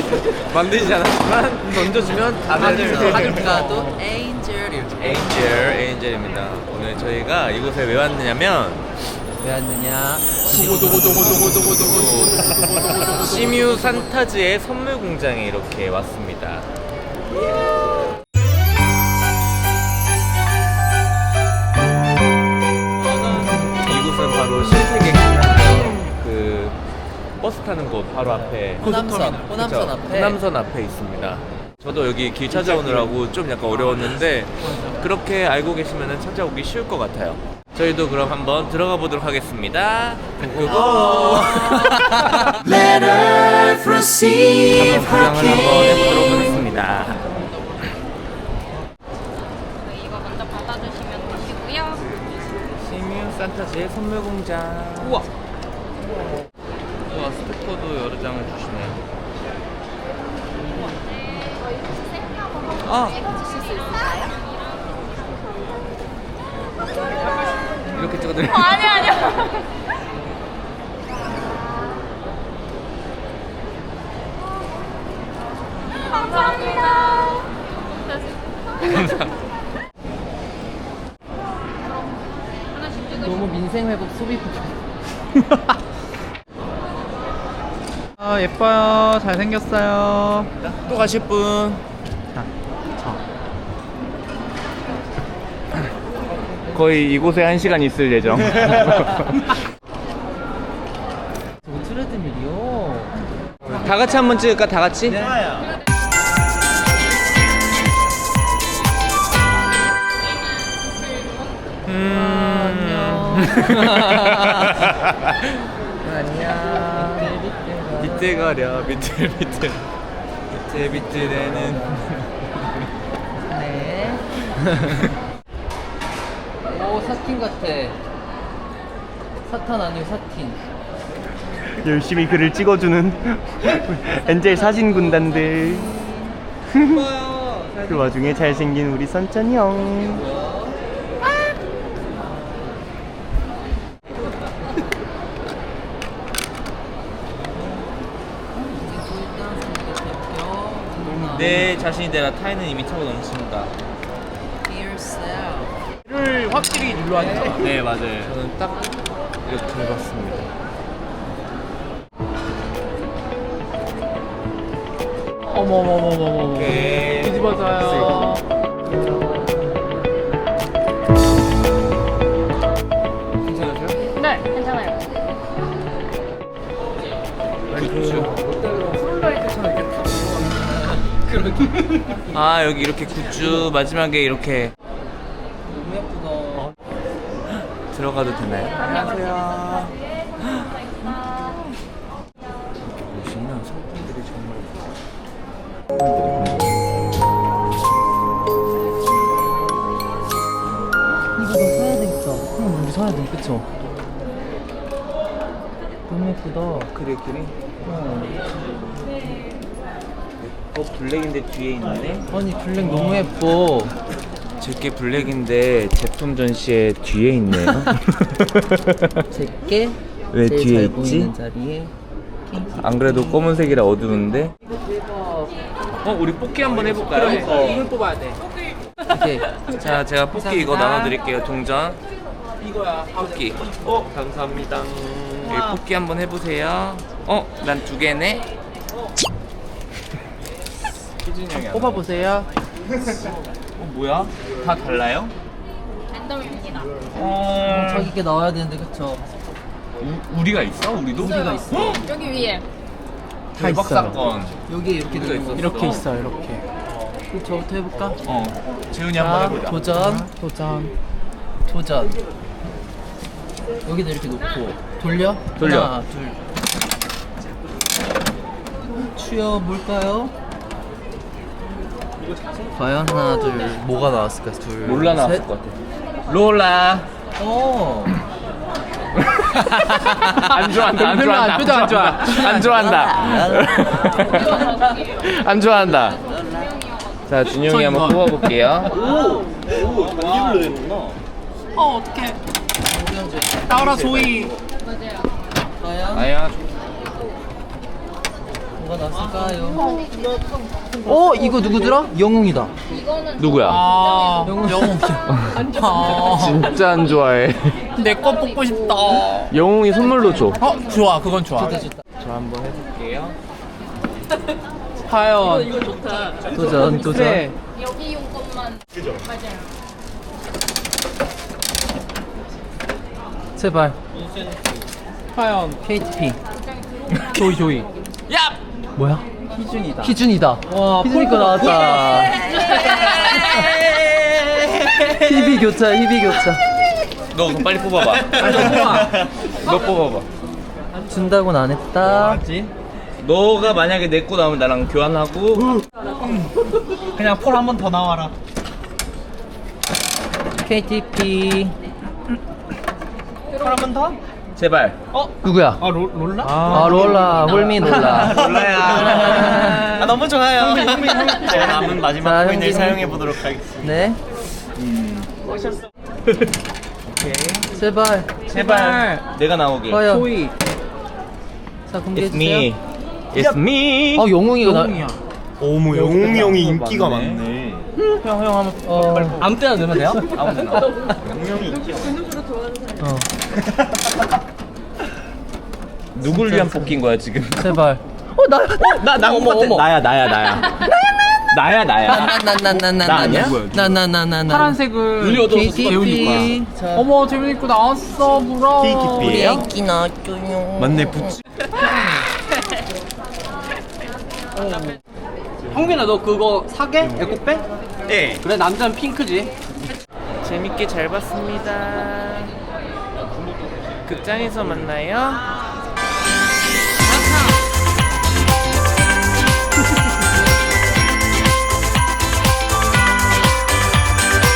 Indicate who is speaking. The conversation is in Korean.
Speaker 1: 만들지 않았지만 던져주면 다들
Speaker 2: 하늘가도 에인젤 이렇게.
Speaker 1: 에인젤입니다. 오늘 저희가 이곳에 왜 왔느냐면
Speaker 2: 왜 왔느냐?
Speaker 1: 시뮤 산타즈의 선물 공장에 이렇게 왔습니다. 이곳은 바로 신세계 그 버스 타는 곳 바로 앞에
Speaker 2: 호남선 앞에.
Speaker 1: 호남선 앞에 있습니다. 저도 여기 길 찾아오느라고 좀 약간 어려웠는데 그렇게 알고 계시면 찾아오기 쉬울 것 같아요. 저희도 그럼 한번 들어가 보도록 하겠습니다. 고고! 한번 구경을 한번 해보도록 하겠습니다.
Speaker 3: 이거 먼저 받아주시면 되시고요.
Speaker 1: 시뮤 산타즈의 선물 공장. 우와! 우와, 스티커도 여러 장을 주시네요. 아!
Speaker 3: 찍어주실 수 있을까요?
Speaker 1: 이렇게 찍어드려요.
Speaker 3: 아니요. 감사합니다. 하나씩 찍으시면
Speaker 2: 너무 민생 회복 소비 부족.
Speaker 4: 아 예뻐요. 잘생겼어요.
Speaker 1: 또 가실 분? 거의 이곳에 1시간 있을 예정.
Speaker 2: 저거 트레드밀이요.
Speaker 1: 다 같이 한번 찍을까? 다 같이?
Speaker 2: 안녕.
Speaker 1: 밑에 가랴 밑에 되는
Speaker 2: 네. 오 사틴 같아. 사탄 아니고 사틴.
Speaker 4: 열심히 글을 찍어주는 엔젤 사진 군단들. 그 와중에 잘생긴 우리 선찬이 형.
Speaker 1: 내 자신이 되라 타이는 이미 차고 넘칩니다.
Speaker 4: 를 확실히 눌러야 돼.
Speaker 1: 네 맞아요. 저는 딱 이렇게 해봤습니다.
Speaker 4: 어머머머머머.
Speaker 1: 오케이.
Speaker 4: 뒤집어져요.
Speaker 1: 괜찮으세요?
Speaker 3: 네, 괜찮아요.
Speaker 1: 아 여기 이렇게 굿즈 마지막에 이렇게
Speaker 2: 너무 예쁘다.
Speaker 1: 들어가도 되나요? 안녕하세요. 이렇게 보시면 상품들이
Speaker 2: 이거 너 사야 되겠다. 우리 사야 돼, 그쵸? 너무 예쁘다.
Speaker 1: 그래. 블랙인데 뒤에 있는데
Speaker 2: 아니 블랙 너무 예뻐.
Speaker 1: 제게 블랙인데 제품 전시에 뒤에 있네요.
Speaker 2: 제게
Speaker 1: 왜
Speaker 2: 제일
Speaker 1: 뒤에
Speaker 2: 잘
Speaker 1: 있지?
Speaker 2: 보이는 자리에.
Speaker 1: 안 그래도 검은색이라 어두운데. 우리 뽑기 한번 해볼까요?
Speaker 4: 이걸 뽑아야 돼.
Speaker 2: 오케이.
Speaker 1: 자, 제가 뽑기 이거
Speaker 2: 감사합니다.
Speaker 1: 나눠드릴게요. 동전
Speaker 4: 이거야.
Speaker 1: 뽑기.
Speaker 4: 감사합니다.
Speaker 1: 여기 뽑기 한번 해보세요. 난 2개네. 희준이 형이
Speaker 4: 뽑아보세요.
Speaker 1: 뭐야? 다 달라요?
Speaker 3: 랜덤입니다.
Speaker 2: 자기 게 나와야 되는데 그쵸?
Speaker 1: 우리가 있어? 우리도?
Speaker 2: 우리가 있어.
Speaker 3: 여기 위에.
Speaker 1: 대박
Speaker 4: 있어요.
Speaker 1: 사건.
Speaker 2: 여기 이렇게
Speaker 1: 우리가
Speaker 2: 되는 거.
Speaker 1: 있었어.
Speaker 4: 이렇게 있어 이렇게.
Speaker 2: 그럼 저부터 해볼까?
Speaker 1: 재훈이 한번
Speaker 2: 자,
Speaker 1: 해보자.
Speaker 2: 도전. 여기다 이렇게 놓고 돌려. 하나, 둘. 추여 뭘까요? 과연 하나, 둘. 뭐가 나왔을까? 둘.
Speaker 1: 롤라 나왔을
Speaker 2: 셋.
Speaker 1: 것 같아. 롤라. 안 좋아한다. 안 좋아한다. 안 좋아한다. 자, 준영이 한번 뽑아볼게요.
Speaker 4: 어떡해. 나와라 조이.
Speaker 3: 맞아요.
Speaker 2: 과연?
Speaker 1: 아야.
Speaker 2: 뭐가 났을까요? 이거 누구더라? 영웅이다.
Speaker 3: 이거는
Speaker 1: 누구야?
Speaker 2: 영웅이야.
Speaker 1: 진짜 안 좋아해.
Speaker 4: 내 거 뽑고 싶다.
Speaker 1: 영웅이 선물로 줘.
Speaker 4: 좋아, 그건 좋아.
Speaker 2: 좋다 좋다.
Speaker 1: 저 한번 해볼게요.
Speaker 4: 과연.
Speaker 2: 도전 도전.
Speaker 4: 그래.
Speaker 3: 여기 용 것만. 맞아요.
Speaker 2: 제발.
Speaker 4: 과연.
Speaker 2: KTP.
Speaker 4: 조이. 야!
Speaker 2: 뭐야?
Speaker 4: 희준이다.
Speaker 2: 희준이다.
Speaker 4: 와,
Speaker 2: 희준이 거 나왔다. 희비 교차 희비 교차.
Speaker 1: 너 그거 빨리 뽑아봐. 너 뽑아봐.
Speaker 2: 준다고는 안 했다.
Speaker 1: 너가 만약에 내 거 나오면 나랑 교환하고.
Speaker 4: 그냥 폴 한 번 더 나와라.
Speaker 2: KTP.
Speaker 4: 폴 한 번 더?
Speaker 1: 제발.
Speaker 2: 누구야?
Speaker 4: 롤라?
Speaker 2: 아 롤라 홀미 롤라.
Speaker 1: 몰라야.
Speaker 4: 너무 좋아요. 제가 남은 마지막
Speaker 2: 자,
Speaker 4: 코인을
Speaker 2: 형님.
Speaker 4: 사용해 보도록 하겠습니다.
Speaker 2: 네. 제발.
Speaker 1: 제발. 내가 나오게.
Speaker 2: 과연.
Speaker 4: 조이.
Speaker 2: 자
Speaker 1: It's
Speaker 2: 공개해주세요.
Speaker 1: me. It's me.
Speaker 2: 영웅이가 나.
Speaker 4: 어머, 영웅이 형이 인기가 많네.
Speaker 1: 형 한번.
Speaker 2: 아무 때나 넣으면 돼요?
Speaker 1: 아무데나.
Speaker 4: 영웅이 인기가 많네.
Speaker 1: 누굴 위한 뽑기인 거야 지금?
Speaker 2: 제발.
Speaker 1: 나 똑같아. 나야. 나야.
Speaker 2: 나나나나나나나나나나나나나나나
Speaker 4: 파란색을
Speaker 2: KTP.
Speaker 4: 어머, 재밌고 나왔어. 물어.
Speaker 2: 우리 애기 낳았죠요.
Speaker 4: 맞네, 부츠. 형빈아, 너 그거 사게? 에코백? 네. 그래, 남자는 핑크지.
Speaker 1: 재밌게 잘 봤습니다. 극장에서 만나요.